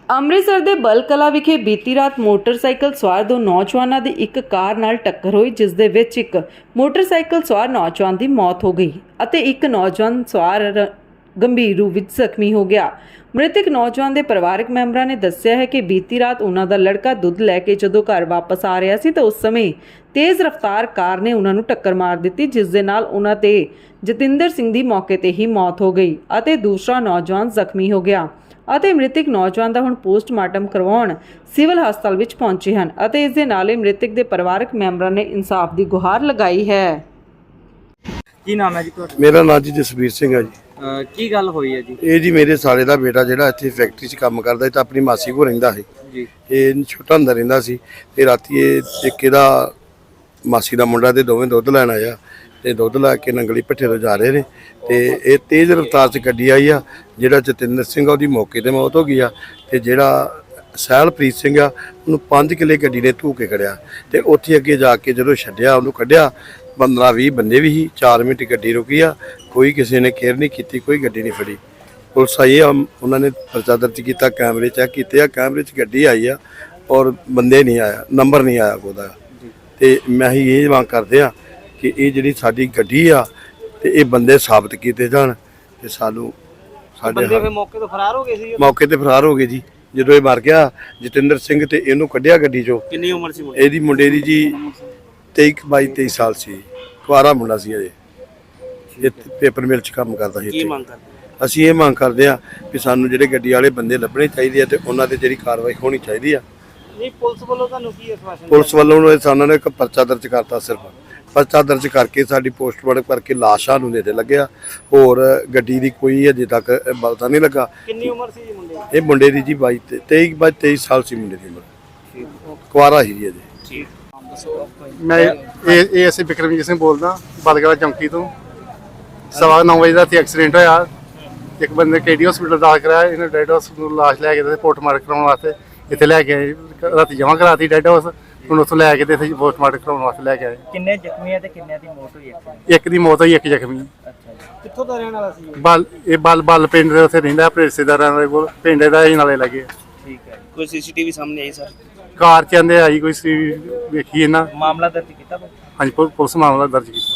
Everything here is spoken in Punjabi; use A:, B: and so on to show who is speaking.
A: ਅੰਮ੍ਰਿਤਸਰ ਦੇ ਬਲਕਲਾ ਵਿਖੇ ਬੀਤੀ ਰਾਤ ਮੋਟਰਸਾਈਕਲ ਸਵਾਰ ਦੋ ਨੌਜਵਾਨਾਂ ਦੀ ਇੱਕ ਕਾਰ ਨਾਲ ਟੱਕਰ ਹੋਈ, ਜਿਸ ਦੇ ਵਿੱਚ ਇੱਕ ਮੋਟਰਸਾਈਕਲ ਸਵਾਰ ਨੌਜਵਾਨ ਦੀ ਮੌਤ ਹੋ ਗਈ ਅਤੇ ਇੱਕ ਨੌਜਵਾਨ ਸਵਾਰ ਗੰਭੀਰ ਰੂਪ ਵਿੱਚ ਜ਼ਖਮੀ ਹੋ ਗਿਆ। ਮ੍ਰਿਤਕ ਨੌਜਵਾਨ ਦੇ ਪਰਿਵਾਰਕ ਮੈਂਬਰਾਂ ਨੇ ਦੱਸਿਆ ਹੈ ਕਿ ਬੀਤੀ ਰਾਤ ਉਹਨਾਂ ਦਾ ਲੜਕਾ ਦੁੱਧ ਲੈ ਕੇ ਜਦੋਂ ਘਰ ਵਾਪਸ ਆ ਰਿਹਾ ਸੀ ਤਾਂ ਉਸ ਸਮੇਂ ਤੇਜ਼ ਰਫ਼ਤਾਰ ਕਾਰ ਨੇ ਉਹਨਾਂ ਨੂੰ ਟੱਕਰ ਮਾਰ ਦਿੱਤੀ, ਜਿਸ ਦੇ ਨਾਲ ਉਹਨਾਂ ਤੇ ਜਤਿੰਦਰ ਸਿੰਘ ਦੀ ਮੌਕੇ ਤੇ ਹੀ ਮੌਤ ਹੋ ਗਈ ਅਤੇ ਦੂਸਰਾ ਨੌਜਵਾਨ ਜ਼ਖਮੀ ਹੋ ਗਿਆ ਅਤੇ ਮ੍ਰਿਤਕ ਨੌਜਵਾਨ ਦਾ ਹੁਣ ਪੋਸਟਮਾਰਟਮ ਕਰਵਾਉਣ ਸਿਵਲ ਹਸਪਤਾਲ ਵਿੱਚ ਪਹੁੰਚੇ ਹਨ ਅਤੇ ਇਸ ਦੇ ਨਾਲ ਹੀ ਮ੍ਰਿਤਕ ਦੇ ਪਰਿਵਾਰਕ ਮੈਂਬਰਾਂ ਨੇ ਇਨਸਾਫ ਦੀ ਗੁਹਾਰ ਲਗਾਈ ਹੈ।
B: ਕੀ ਨਾਮ ਹੈ ਜੀ ਤੁਹਾਡਾ?
C: ਮੇਰਾ ਨਾਮ ਜੀ ਜਸਵੀਰ ਸਿੰਘ ਹੈ ਜੀ।
B: ਕੀ ਗੱਲ ਹੋਈ ਹੈ ਜੀ?
C: ਇਹ ਜੀ ਮੇਰੇ ਸਾਲੇ ਦਾ ਬੇਟਾ ਜਿਹੜਾ ਇੱਥੇ ਫੈਕਟਰੀ 'ਚ ਕੰਮ ਕਰਦਾ ਸੀ ਤਾਂ ਆਪਣੀ ਮਾਸੀ ਕੋਲ ਰਹਿੰਦਾ ਸੀ
B: ਜੀ। ਇਹ
C: ਛੋਟਾ ਹੁੰਦਾ ਰਹਿੰਦਾ ਸੀ ਤੇ ਰਾਤੀ ਇਹ ਇੱਕ ਇਹਦਾ ਮਾਸੀ ਦਾ ਮੁੰਡਾ ਤੇ ਦੋਵੇਂ ਦੁੱਧ ਲੈਣ ਆਇਆ ਤੇ ਦੁੱਧ ਲੈ ਕੇ ਨੰਗਲੀ ਭੱਠੇ ਤੋਂ ਜਾ ਰਹੇ ਨੇ ਤੇ ਇਹ ਤੇਜ਼ ਰਫ਼ਤਾਰ 'ਚ ਗੱਡੀ ਆਈ ਆ। ਜਿਹੜਾ ਜਤਿੰਦਰ ਸਿੰਘ ਆ ਉਹਦੀ ਮੌਕੇ ਤੇ ਮੌਤ ਹੋ ਗਈ ਆ ਤੇ ਜਿਹੜਾ ਸਹਿਲਪ੍ਰੀਤ ਸਿੰਘ ਆ ਉਹਨੂੰ 5 ਕਿੱਲੇ ਗੱਡੀ ਨੇ ਧੂ ਕੇ ਖੜਿਆ ਤੇ ਉੱਥੇ ਅੱਗੇ ਜਾ ਕੇ ਜਦੋਂ ਛੱਡਿਆ ਉਹਨੂੰ ਕੱਢਿਆ 15-20 ਬੰਦੇ ਵੀ ਸੀ। 4 ਮਿੰਟ ਗੱਡੀ ਰੁਕੀ ਆ, ਕੋਈ ਕਿਸੇ ਨੇ ਕੇਅਰ ਨਹੀਂ ਕੀਤੀ, ਕੋਈ ਗੱਡੀ ਨਹੀਂ ਫੜੀ। ਪੁਲਿਸ ਆਈ ਆ, ਉਹਨਾਂ ਨੇ ਪਰਚਾ ਦਰਜ ਕੀਤਾ, ਕੈਮਰੇ ਚੈੱਕ ਕੀਤੇ ਆ, ਕੈਮਰੇ 'ਚ ਗੱਡੀ ਆਈ ਆ ਔਰ ਬੰਦੇ ਨਹੀਂ ਆਇਆ, ਨੰਬਰ ਨਹੀਂ ਆਇਆ ਉਹਦਾ। ਤੇ ਮੈਂ ਹੀ ਇਹ ਮੰਗ ਕਰਦੇ ਆ ਕਿ ਇਹ ਜਿਹੜੀ ਸਾਡੀ ਗੱਡੀ ਆ ਤੇ ਇਹ ਬੰਦੇ ਸਾਬਤ ਕੀਤੇ ਜਾਣ ਤੇ ਸਾਨੂੰ ਸਾਡੇ
B: ਬੰਦੇ ਫਿਰ ਮੌਕੇ ਤੋਂ ਫਰਾਰ ਹੋ ਗਏ ਸੀ?
C: ਮੌਕੇ ਤੇ ਫਰਾਰ ਹੋ ਗਏ ਜੀ। ਜਦੋਂ ਇਹ ਮਰ ਗਿਆ ਜਤਿੰਦਰ ਸਿੰਘ ਤੇ ਇਹਨੂੰ ਕੱਢਿਆ ਗੱਡੀ 'ਚੋਂ।
B: ਕਿੰਨੀ ਉਮਰ ਸੀ
C: ਇਹਦੀ ਮੁੰਡੇ ਦੀ ਜੀ 22-23 ਸਾਲ ਸੀ, ਕੁਆਰਾ ਮੁੰਡਾ ਸੀ ਅਜੇ। ਇਹ ਪੇਪਰ ਮਿਲ 'ਚ ਕੰਮ ਕਰਦਾ ਸੀ।
B: ਕੀ ਮੰਗ ਕਰਦੇ?
C: ਅਸੀਂ ਇਹ ਮੰਗ ਕਰਦੇ ਆ ਕਿ ਸਾਨੂੰ ਜਿਹੜੇ ਗੱਡੀ ਵਾਲੇ ਬੰਦੇ ਲੱਭਣੇ ਚਾਹੀਦੇ ਆ ਤੇ ਉਹਨਾਂ ਤੇ ਜਿਹੜੀ ਕਾਰਵਾਈ ਹੋਣੀ ਚਾਹੀਦੀ ਆ।
B: ਨਹੀਂ, ਪੁਲਿਸ ਵੱਲੋਂ ਤੁਹਾਨੂੰ ਕੀ ਆਸ਼ਵਾਸਨ?
C: ਪੁਲਿਸ ਵੱਲੋਂ ਸਾਨੂੰ ਇੱਕ ਪਰਚਾ ਦਰਜ ਕਰਤਾ, ਸਿਰਫ ਪਰਚਾ ਦਰਜ ਕਰਕੇ ਸਾਡੀ ਪੋਸਟਮਾਰਟਮ ਕਰਕੇ ਲਾਸ਼ਾਂ ਨੂੰ ਨੇੜੇ ਲੱਗਿਆ। ਹੋਰ ਗੱਡੀ ਦੀ ਕੋਈ ਅਜੇ ਤੱਕ ਪਤਾ ਨਹੀਂ ਲੱਗਾ।
B: ਕਿੰਨੀ ਉਮਰ ਸੀ ਜੀ ਮੁੰਡੇ ਦੀ?
C: ਇਹ ਮੁੰਡੇ ਦੀ ਜੀ 23 ਸਾਲ ਸੀ ਮੁੰਡੇ ਦੀ ਉਮਰ, ਕੁਆਰਾ ਹੀ ਜੀ ਅਜੇ।
B: ਠੀਕ।
D: ਮੈਂ ਇਹ ਅਸੀਂ ਬਿਕਰਮਜੀਤ ਸਿੰਘ ਬੋਲਦਾ, ਬਲਗੜਾ ਚੌਂਕੀ ਤੋਂ। 9:15 ਵਜੇ ਦਾ ਇੱਥੇ ਐਕਸੀਡੈਂਟ ਹੋਇਆ। ਇੱਕ ਬੰਦੇ KD ਹਸਪੀਟਲ ਦਾਖਲ ਕਰਾਇਆ, ਇਹਨੇ ਡੈਡ ਹਾਊਸ ਨੂੰ ਲਾਸ਼ ਲੈ ਕੇ ਤੇ ਪੋਸਟਮਾਰਟਮ ਕਰਾਉਣ ਵਾਸਤੇ ਇੱਥੇ ਲੈ ਕੇ ਆਏ। ਰਾਤੀ ਜਮ੍ਹਾਂ ਕਰਾਤੀ ਡੈਡ ਹਾਊਸ, ਹੁਣ ਉੱਥੋਂ ਲੈ ਕੇ ਤੇ ਇੱਥੇ ਪੋਸਟਮਾਰਟਮ ਕਰਾਉਣ ਵਾਸਤੇ ਲੈ ਕੇ ਆਏ।
B: ਕਿੰਨੇ ਜ਼ਖਮੀ ਹੈ ਤੇ ਕਿੰਨਿਆਂ ਦੀ ਮੌਤ ਹੋਈ ਹੈ?
D: ਇੱਕ ਦੀ ਮੌਤ ਹੋਈ, ਇੱਕ ਜ਼ਖਮੀ।
B: ਅੱਛਾ ਜੀ। ਕਿੱਥੋਂ ਦਾ ਰਹਿਣ ਵਾਲਾ ਸੀ?
D: ਬਲ ਪਿੰਡ ਦੇ ਉੱਥੇ ਰਹਿੰਦਾ, ਆਪਣੇ ਰਿਸ਼ਤੇਦਾਰਾਂ ਦੇ ਕੋਲ। ਪਿੰਡ ਦਾ ਹੀ ਨਾਲੇ ਲੱਗੇ।
B: ਠੀਕ ਹੈ। ਕੋਈ CCTV ਸਾਹਮਣੇ ਆਈ ਸਰ?
D: ਕਾਰ ਚ ਆਂਦੇ ਆਈ ਕੋਈ ਸੀ, ਵੇਖੀ ਇਹਨਾਂ।
B: ਮਾਮਲਾ ਦਰਜ ਕੀਤਾ?
D: ਹਾਂਜੀ, ਪੁਲਿਸ ਮਾਮਲਾ ਦਰਜ ਕੀਤਾ।